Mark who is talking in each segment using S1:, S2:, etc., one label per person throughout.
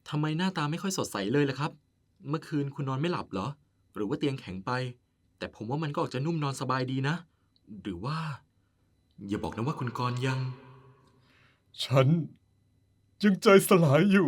S1: ทำไมหน้าตาไม่ค่อยสดใสเลยล่ะครับเมื่อคืนคุณนอนไม่หลับเหรอหรือว่าเตียงแข็งไปแต่ผมว่ามันก็ออกจะนุ่มนอนสบายดีนะหรือว่าอย่าบอกนะว่าคุณกรณ์ยัง
S2: ฉันยังใจสลายอยู่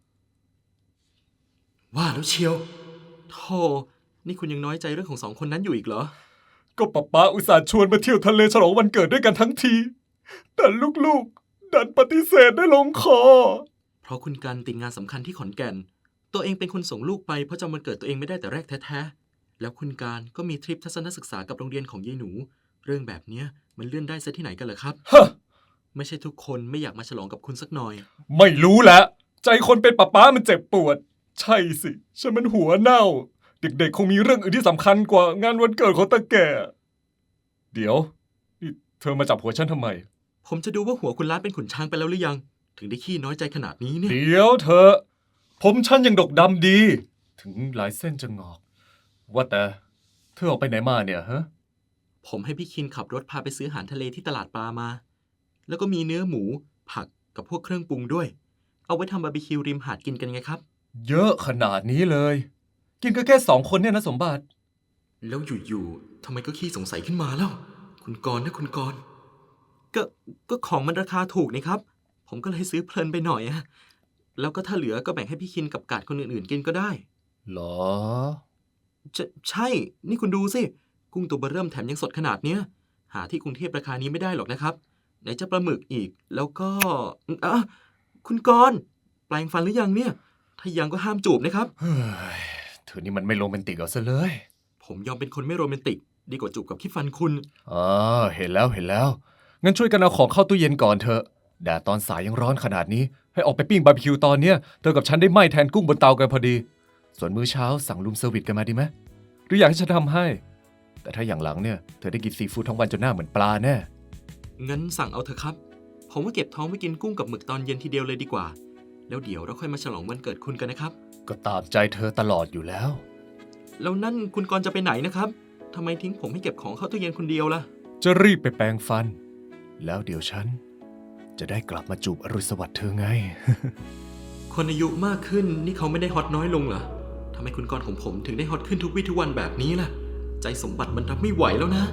S1: ว่าแล้วเชียวโธ่นี่คุณยังน้อยใจเรื่องของสองคนนั้นอยู่อีกเหรอ
S2: ก็ป๊าอุตส่าห์ชวนมาเที่ยวทะเลฉลองวันเกิดด้วยกันทั้งทีแต่ลูกๆดันปฏิเสธได้ลงคอ
S1: เพราะคุณกันติดงานสำคัญที่ขอนแก่นตัวเองเป็นคนส่งลูกไปเพราะจำวันเกิดตัวเองไม่ได้แต่แรกแท้ๆแล้วคุณการก็มีทริปทัศนศึกษากับโรงเรียนของยายหนูเรื่องแบบเนี้ยมันเลื่อนได้ซะที่ไหนกันเหรอครับ
S2: ฮะ
S1: ไม่ใช่ทุกคนไม่อยากมาฉลองกับคุณสักหน่อย
S2: ไม่รู้แหละใจคนเป็นป๊ามันเจ็บปวดใช่สิฉันมันหัวเน่าเด็กๆคงมีเรื่องอื่นที่สำคัญกว่างานวันเกิดของตาแก่เดี๋ยวนี่เธอมาจับหัวฉันทำไม
S1: ผมจะดูว่าหัวคุณล้านเป็นขุนช้างไปแล้วหรือยังถึงได้ขี้น้อยใจขนาดนี้เนี่ย
S2: เดี๋ยวเธอผมฉันยังดกดำดี ถึงหลายเส้นจะงอก ว่าแต่เธอออกไปไหนมาเนี่ยฮะ
S1: ผมให้พี่คินขับรถพาไปซื้ออาหารทะเลที่ตลาดปลามา แล้วก็มีเนื้อหมู ผักกับพวกเครื่องปรุงด้วย เอาไว้ทำบาร์บีคิวริมหาดกินกันไงครับ
S2: เยอะขนาดนี้เลย กินก็แค่2 คนเนี่ยนะสมบัติ
S1: แล้วอยู่ๆทำไมก็ขี้สงสัยขึ้นมาแล้ว คุณกรณ์นะคุณกรณ์ก็ก็ของมันราคาถูกนี่ครับ ผมก็เลยซื้อเพลินไปหน่อยอะแล้วก็ถ้าเหลือก็แบ่งให้พี่คินกับกาดคนอื่นๆกินก็ได้
S2: หรอ
S1: ใช่ นี่คุณดูสิ กุ้งตัวเบ้อเริ่มแถมยังสดขนาดเนี้ย หาที่กรุงเทพราคานี้ไม่ได้หรอกนะครับ ไหนจะปลาหมึกอีก แล้วก็อ่ะคุณกรณ์แปลงฟันหรือยังเนี่ย ถ้ายังก็ห้ามจูบนะครับ
S2: เฮ้ยเธอนี่มันไม่โรแมนติกเอาซะเลย
S1: ผมยอมเป็นคนไม่โรแมนติก ดีกว่าจูบกับขี้ฟันคุณ
S2: อ๋อเห็นแล้วงั้นช่วยกันเอาของเข้าตู้เย็นก่อนเถอะแดดตอนสายยังร้อนขนาดนี้ ให้ออกไปปิ้งบาร์บีคิวตอนเนี้ยเธอกับฉันได้ไหม้แทนกุ้งบนเตากันพอดี ส่วนมื้อเช้าสั่งรูมเซอร์วิสกันมาดีไหมหรืออยากให้ฉันทำให้ แต่ถ้าอย่างหลังเนี่ยเธอได้กินซีฟู้ดทั้งวันจนหน้าเหมือนปลาแน่
S1: งั้นสั่งเอาเถอะครับ ผมว่าเก็บท้องไว้กินกุ้งกับหมึกตอนเย็นทีเดียวเลยดีกว่า แล้วเดี๋ยวเราค่อยมาฉลองวันเกิดคุณกันนะครับ
S2: ก็ตามใจเธอตลอดอยู่แล้ว
S1: แล้วนั่นคุณกรณ์จะไปไหนนะครับทำไมทิ้งผมให้เก็บของเข้าตู้เย็นคนเดียวล่ะ
S2: จะรีบไปแปรงฟัน แล้วเดี๋ยวฉัน จะได้กลับมาจูบอรุณสวัสดิ์เธอไง
S1: คนอายุมากขึ้นนี่เขาไม่ได้ฮอตน้อยลงเหรอทำไมคุณกรณ์ของผมถึงได้ฮอตขึ้นทุกวี่ทุกวันแบบนี้ล่ะ ใจสมบัติมันรับไม่ไหวแล้วนะ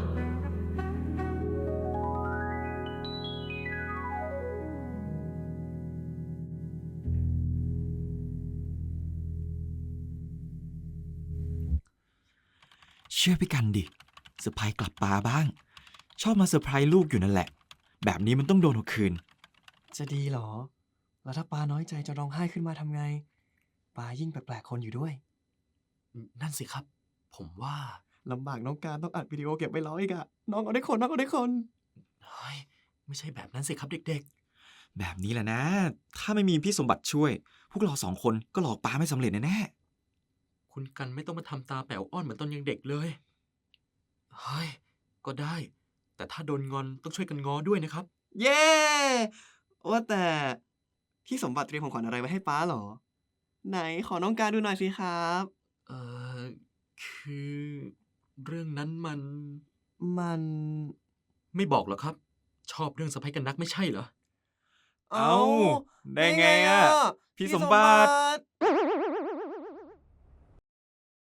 S3: เชื่อพี่กันดิเซอร์ไพรส์กลับปาบ้าง ชอบมาเซอร์ไพรส์ลูกอยู่นั่นแหละ แบบนี้มันต้องโดนเอาคืน
S4: จะดีเหรอ แล้วถ้าปาน้อยใจจะร้องไห้ขึ้นมาทำไง ปายิ่งแปลกๆคนอยู่ด้วย
S1: นั่นสิครับ ผมว่า
S4: ลำบากน้องการต้องอัดวิดีโอเก็บไว้ร้อยอีกอะน้องเอาได้คนน้องเอาได้คน
S1: เฮ้ย ไม่ใช่แบบนั้นสิครับเด็ก
S3: แบบนี้แหละนะ ถ้าไม่มีพี่สมบัติช่วย พวกเรา2 คนก็หลอกปาไม่สำเร็จแน่
S1: ๆ คุณกันไม่ต้องมาทำตาแป๋วอ้อนเหมือนตอนยังเด็กเลย เฮ้ย ก็ได้ แต่ถ้าโดนงอนต้องช่วยกันง้อด้วยนะครับ
S4: เย้ว่าแต่พี่สมบัติเตรียมของขวัญอะไรไว้ให้ป้าเหรอ ไหนขอน้องการดูหน่อยสิครับ
S1: เอ่อ คือ เรื่องนั้นมัน
S4: มัน
S1: ไม่บอกหรอกครับ ชอบเรื่องสะใภ้กันนักไม่ใช่เหรอ
S3: ๆ เอ้า ได้ไงอะพี่สมบัติ